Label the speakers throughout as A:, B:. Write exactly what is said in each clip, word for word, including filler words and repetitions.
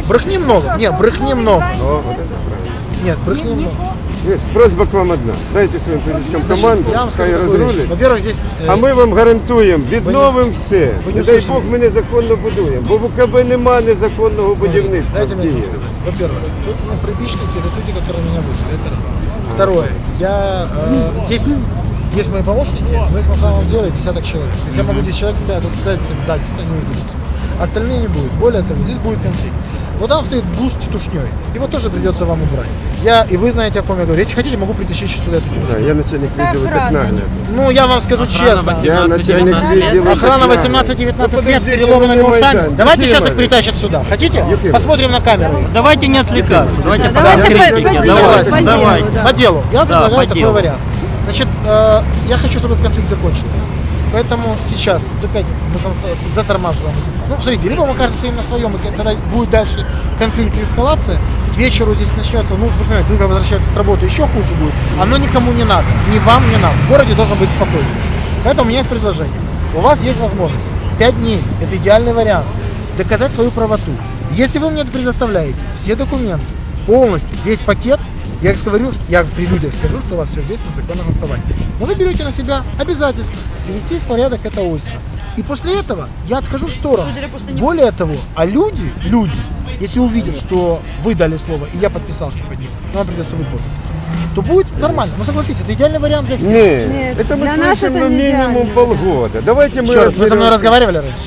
A: Брехни много. Нет, брехни много.
B: О, вот это правильно.
A: Нет, брехни много.
B: Видишь, просьба к вам одна. Дайте своим політичкам команду,
A: Я вам скажу
B: хай
A: такую вещь.
B: розрулять.
A: Во-первых, здесь... э,
B: А ми вам гарантуємо, відновимо все.
A: ви не
B: Не дай
A: слышали.
B: Бог, ми незаконно будуємо. Бо в УКБ нема незаконного будівництва.
A: Дайте
B: в
A: мне
B: Києві.
A: сказать. Во-первых, тут ну, прибичники, это люди, которые меня вызвали. Это раз. Второе, я э, здесь есть мои помощники, но их на самом деле десяток человек. То есть я могу десять человек сказать, сказать, да, они уйдут. Остальные не будут. Более того, здесь будет конфликт. Вот там стоит бус с тетушней. Его тоже придется вам убрать. Я, и вы знаете, о ком я говорю. Если хотите, могу притащить сюда эту тетушню.
B: Да, я начальник відділу так нагляд.
A: Ну, я вам скажу честно.
B: Я начальник відділу
A: Охрана
B: так
A: восемнадцать-девятнадцать
B: Ну,
A: лет с
B: подождите,
A: переломанными
B: вы не
A: ушами.
B: Майдан.
A: Давайте
B: Ефим
A: сейчас их
B: Иванович.
A: притащат сюда. Хотите?
B: Ефим
A: Посмотрим на камеру.
C: Давайте не отвлекаться, давайте по
A: Давайте
C: конкретике.
A: по-
C: Давайте,
A: по делу,
C: давайте.
A: По делу. Я
C: Да,
A: предлагаю
C: по
A: такой
C: делу.
A: вариант. Значит, э, я хочу, чтобы этот конфликт закончился. Поэтому сейчас, до пятницы, мы там затормаживаем. Ну, смотрите, либо мы кажется стоим на своем, и тогда будет дальше конфликт и эскалация. К вечеру здесь начнется, ну, вы знаете, люди возвращаются с работы, еще хуже будет. Оно никому не надо, ни вам, ни нам. В городе должен быть спокойствие. Поэтому у меня есть предложение. У вас есть возможность. Пять дней – это идеальный вариант. Доказать свою правоту. Если вы мне предоставляете все документы, полностью, весь пакет, я говорю, что- я при людях скажу, что у вас все здесь на законном основании. Но вы берете на себя обязательство привести в порядок это озеро. И после этого я отхожу в сторону. Более того, а люди, люди, если увидят, что вы дали слово, и я подписался под ним, но вам придется выполнить, то будет нормально. Ну согласитесь, это идеальный вариант для всех.
B: Нет,
D: Нет,
B: это мы
D: для нас
B: слышим
D: это
B: ну,
D: не
B: минимум
D: идеально.
B: полгода. Давайте мы
A: Еще раз, вы со мной
B: разберемся.
A: разговаривали раньше?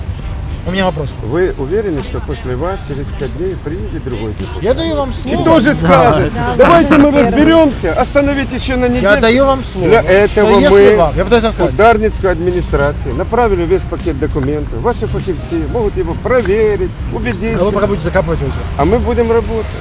A: У меня вопрос.
B: Вы уверены, что после вас через пять дней приедет другой депутат?
A: Я даю вам
B: И
A: слово.
B: тоже скажет,
D: Да,
B: давайте
D: да,
B: мы
D: первый.
B: разберемся, остановить еще на неделю.
A: Я даю вам слово.
B: Для
A: что
B: этого
A: если
B: мы
A: вам, я пытаюсь вам
B: в
A: сказать,
B: Дарницкую администрацию направили весь пакет документов. Ваши фаховцы могут его проверить,
A: а вы
B: убедиться.
A: пока будете закапывать озеро.
B: А мы будем работать.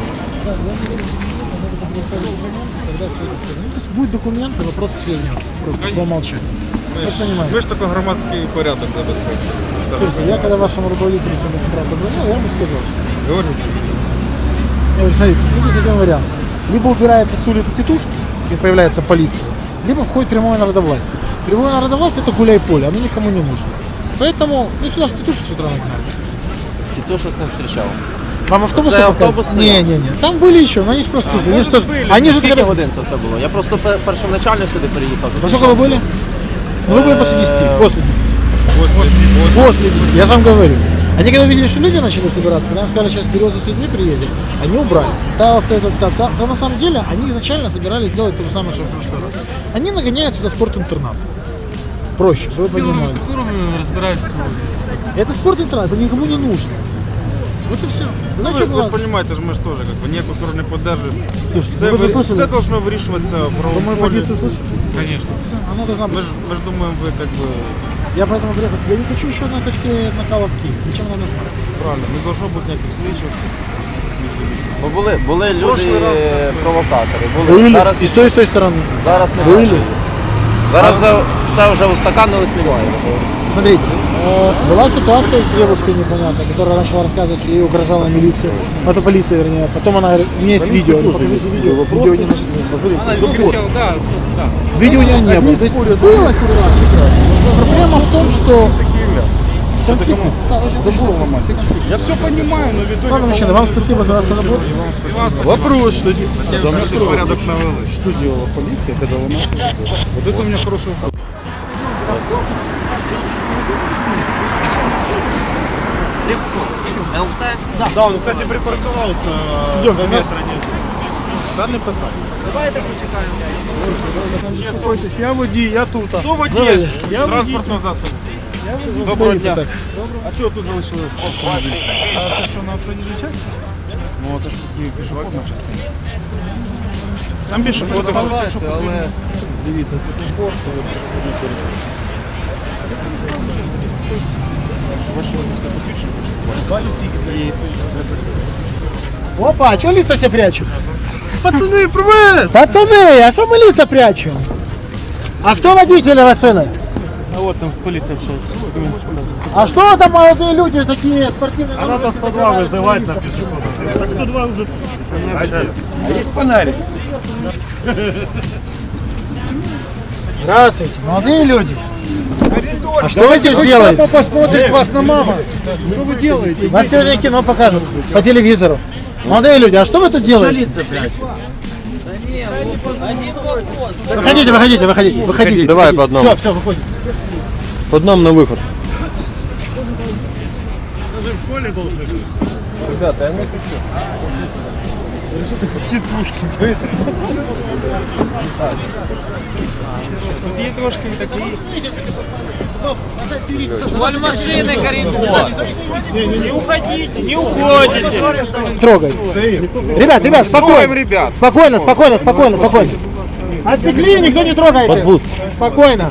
A: Когда все это всё- ну, то есть будет документы, вопрос свернется. Просто по умолчанию. Вы же понимаете.
E: Ми ж тільки громадський порядок забезпечуємо. Все.
A: Слушайте, я когда вашему руководителю сегодня с утра позвонил, я ему сказал, что
E: Говорю,
A: я говорю, смотрите, ну, здесь один вариант. Либо убирается с улиц тетушки, и появляется полиция, либо входит прямое народовластие. Прямое народовластие – это гуляй-поле, оно никому не нужно. Поэтому, ну сюда же тетушек с утра нагнали.
C: Тітушок не зустрічав.
A: Вам автобусы
C: Це
A: показывают?
C: автобус стояв?
A: Не-не-не, там были еще, но они же просто, они же тоже, они же
C: Скільки
A: когда-
C: годин це все було? Я просто пер- першоначально сюди переїхав.
A: Во сколько вы были? Ну, вы были после десяти, после десяти. После десяти, я же вам говорю. Они когда увидели, что люди начали собираться, когда нам сказали, сейчас Береза с людьми приедет, они убрались. Стало стоять вот так, там, то на самом деле они изначально собирались делать то же самое, что в прошлый раз. Они нагоняют сюда спорт-интернат. Проще, чтобы вы понимали.
E: структурами розбираються.
A: Это спорт-интернат, это никому не нужно. Вот и все.
E: Ну,
A: Значит,
E: ви, ви ж
A: ладно.
E: розумієте, ми ж теж как бы, ніяку сторону не піддержуємо.
A: Слушайте,
E: Все,
A: ну вы же
E: ви-
A: слышали?
E: все должно вирішуватися в
A: Вы
E: правовому
A: мою
E: полі.
A: позицию слышите?
E: Конечно.
A: Она должна
E: Ми
A: быть.
E: ж, ми ж думаємо, ви как бы,
A: Я поэтому приехал. Я не хочу еще одной точки накала в Киев. Зачем нам нужно?
E: правильно, не должно бути ніяких слідчих.
C: Бо були, були люди
E: Прошлий раз,
C: е,
E: так,
C: провокатори. Були.
A: Были.
C: Зараз,
A: И с той, и с той стороны.
C: зараз не
A: Были.
C: бачу. Зараз за- все вже устаканилось, немає.
A: Смотрите, э, была ситуация с девушкой непонятной, которая начала рассказывать, что ей угрожала милиция, это полиция, вернее. Потом она говорит, у меня есть видео, ну, покажите видео, видео не нашли. Посмотрите.
E: да, да.
A: Видео у нее не было. То есть была ситуация. Проблема в том, что конфликт, все конфликты.
E: Я все понимаю, но в
A: Ладно, мужчина, вам спасибо за вашу работу.
E: І вам спасибо. Вопрос, что хотя порядок навели.
F: Что делала полиция, когда ломался забор?
E: Вот это у меня хороший вопрос.
F: Да, он, кстати, припарковался до метра нет. Да, не питання. Давайте почекаємо. Успокойтесь, я водій, я тут.
E: Хто водій
F: Я
E: транспортного засобу? Доброго дня. А чого тут залишили автомобіль?
F: А це що, на проїжджій частині?
E: Ну, це ж такі пішохідна частина.
F: Там більше ходимо.
E: але
F: Дивіться, світлофор, це пішохідний перехід.
E: ваші водійське посвідчення.
A: Опа, а что лица все прячут?
F: Пацани, привет!
A: Пацаны, а что мы лица прячем? А кто водитель машины?
F: А от там з поліцією общається.
A: А что там молодые люди такие спортивные?
F: А надо сто два вызывать на пешехода. Так сто два уже.
A: Здравствуйте, молодые люди. А что вы здесь делаете?
F: Папа посмотрит вас на мама. Что вы делаете?
A: Вас сегодня кино покажут по телевизору. Молодые люди, а что вы тут делаете? Выходите, выходите, выходите, выходите.
C: Давай по одному.
A: Все, все, выходите.
C: По одному на выход. Ребята, я не хочу.
D: Валь машины, коридор.
E: Не уходите, не уходите.
A: Трогай. Ребят, ребят, спокойно.
C: ребят.
A: Спокойно, спокойно, спокойно, спокойно. Отцепли, никто не трогает. Спокойно.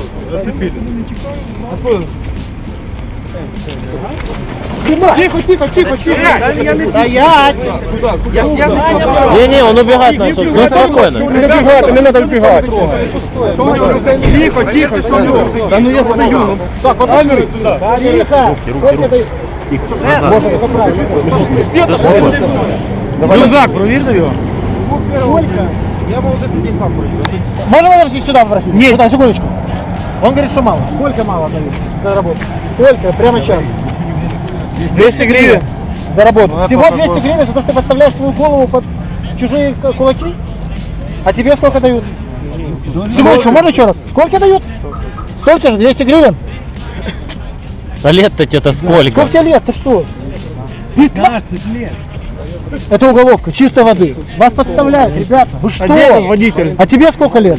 F: Тихо, тихо, тихо, тихо.
A: Стоять!
C: Не-не, он убегать начал. Все спокойно.
F: Не убегать, не надо убегать. Тихо, тихо, все. Да ну я стою. Так, вот камеры сюда.
A: Тихо! Сколько ты... Можно, это правильно.
F: Рюкзак, провірте його.
A: Сколько?
F: Я мав за людей сам провірю.
A: Можно подожди сюда попросить? Нет. Сюда, секундочку. Он говорит, что мало. Сколько мало дают за работу? Сколько? Прямо сейчас.
F: двести гривен.
A: За работу. Всего двести гривен за то, что ты подставляешь свою голову под чужие к- кулаки? А тебе сколько дают? Секундочку, можно еще раз? Сколько дают? Столько же, двести гривен?
C: Да лет-то это сколько?
A: Сколько тебе лет? Ты что? пятнадцать лет. Это уголовка, чистой воды. Вас подставляют, ребята. Вы что?
F: водитель?
A: А тебе сколько лет?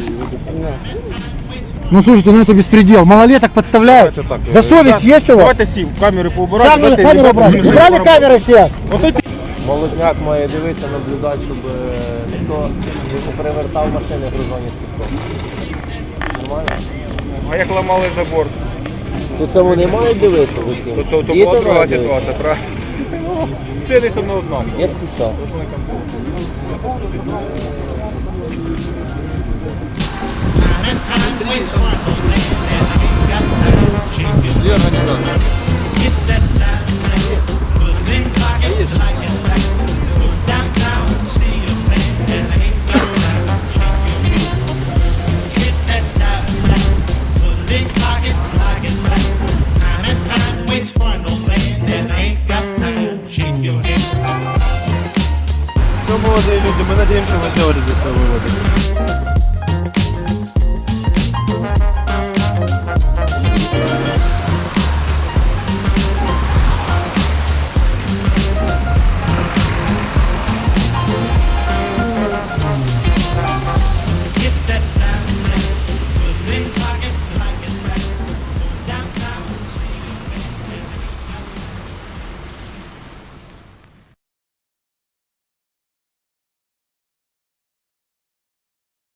A: Ну слушайте, ну это беспредел. Малолеток подставляют. Да совесть есть у вас?
F: Давайте сім, камери поубирати.
A: Камеры,
F: дайте
A: камеры
F: ребятам
A: убрали. Убрали камеры все.
C: Молодняк має дивитися, наблюдати, щоб е, ніхто не попривертав машини гружені з піском. Нормально?
E: А як ламали забор,
C: То це вони мають дивитися за цим.
E: то, то, то
C: Діти
E: була друга
C: мають дивитися.
E: ситуація, правильно? Все не одно одно.
C: Є спеціал.
E: Все, молодые люди, мы надеемся, вы сделали здесь свой вывод.